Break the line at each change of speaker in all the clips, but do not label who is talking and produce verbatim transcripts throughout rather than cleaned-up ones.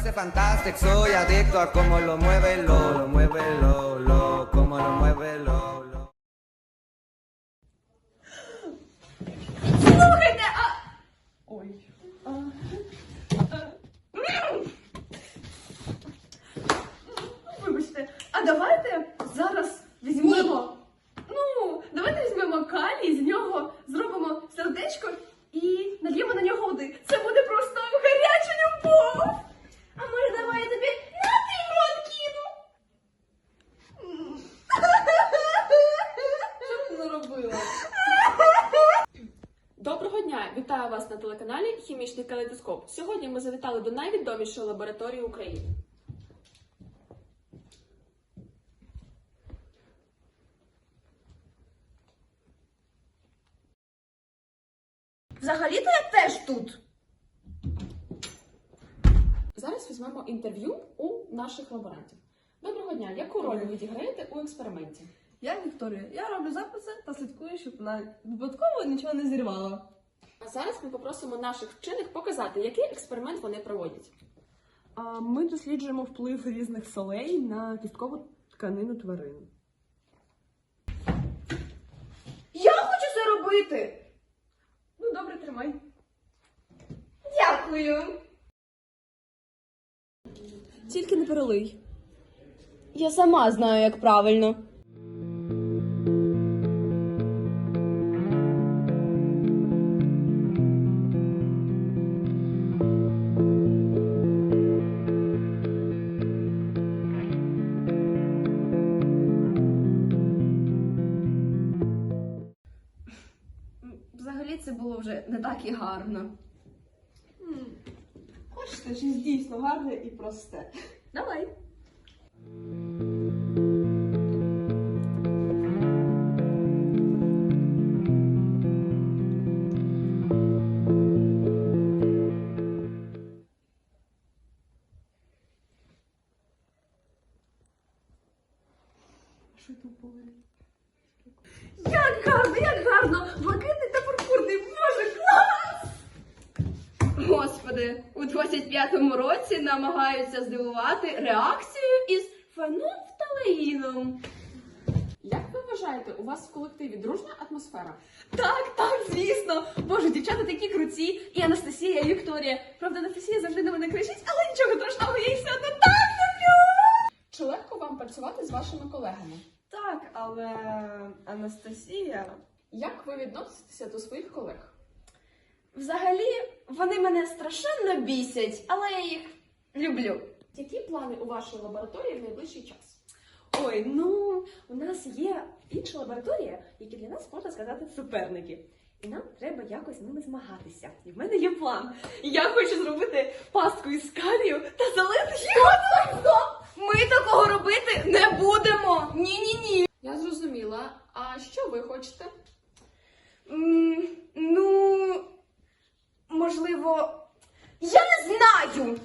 parece fantástico, soy adicto a cómo lo mueve lo, lo mueve lo, lo, cómo lo mueve lo, lo.
Слухайте, а... Ой. А... Вибачте, а давайте зараз візьмемо... Ну, давайте візьмемо калій, з нього зробимо сердечко і нальємо на нього води. Це буде просто гаряча любов. А може, давай я тобі на ти в рот кину? Що ти наробила?
Доброго дня! Вітаю вас на телеканалі «Хімічний калейдоскоп». Сьогодні ми завітали до найвідомішої лабораторії України.
Взагалі-то я теж тут.
Зараз візьмемо інтерв'ю у наших лаборантів. Доброго дня! Яку роль ви відіграєте у експерименті?
Я Вікторія. Я роблю записи та слідкую, щоб вона випадково нічого не зірвала.
А зараз ми попросимо наших вчених показати, який експеримент вони проводять.
А ми досліджуємо вплив різних солей на кісткову тканину тварин.
Я хочу це робити!
Ну, добре, тримай.
Дякую!
Тільки не перелий.
Я сама знаю, як правильно. Взагалі це було вже не так і гарно.
Хочете, щось дійсно гарне і просте.
Давай.
Що це було?
Як гарно, як гарно! Блакитний та пурпурний, боже, клас! Господи, у двадцять п'ятому році намагаються здивувати реакцією із фенолфталеїном.
Як ви вважаєте, у вас в колективі дружня атмосфера?
Так, так, звісно! Боже, дівчата такі круті, і Анастасія, і Вікторія. Правда, Анастасія завжди на мене кричить, але нічого страшного, я їх все одно так люблю!
Чи легко вам працювати з вашими колегами?
Так, але Анастасія...
Як ви відноситеся до своїх колег?
Взагалі, вони мене страшенно бісять, але я їх люблю.
Які плани у вашій лабораторії в найближчий час?
Ой, ну, у нас є інша лабораторія, які для нас, можна сказати, суперники. І нам треба якось з ними змагатися. І в мене є план. Я хочу зробити пастку із калію та залити його.
Стоп! Ми такого робити не будемо! Ні-ні-ні!
Я зрозуміла. А що ви хочете?
М, Ну, можливо, я не знаю!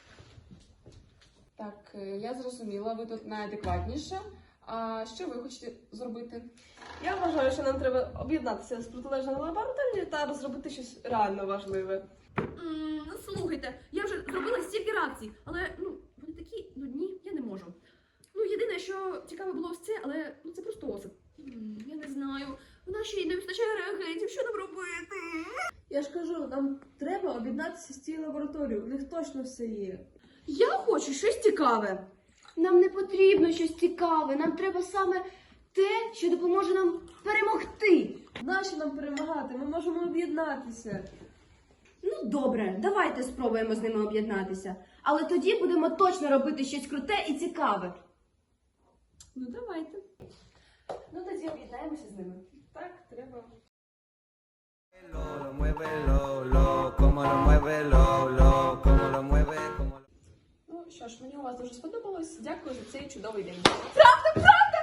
Так, е, я зрозуміла, ви тут найадекватніша. А що ви хочете зробити?
Я вважаю, що нам треба об'єднатися з протилежною лабораторією та розробити щось реально важливе.
М, Слухайте, я вже зробила стільки реакцій, але ну вони такі нудні, я не можу. Ну, єдине, що цікаве було ось це, але ну це просто осип. М, Я не знаю. В нашій не вистачає реагентів, що нам робити?
Я ж кажу, нам треба об'єднатися з цією лабораторією. У них точно все є.
Я хочу щось цікаве.
Нам не потрібно щось цікаве, нам треба саме те, що допоможе нам перемогти.
Нащо нам перемагати? Ми можемо об'єднатися.
Ну, добре, давайте спробуємо з ними об'єднатися. Але тоді будемо точно робити щось круте і цікаве.
Ну, давайте.
Ну, тоді об'єднаємося з ними.
Так, треба.
Lo, lo mueve lo, lo, cómo lo mueve lo, lo, cómo lo mueve, cómo lo...
Ну що ж, мені у вас дуже сподобалось. Дякую за цей чудовий день.
Правда, правда!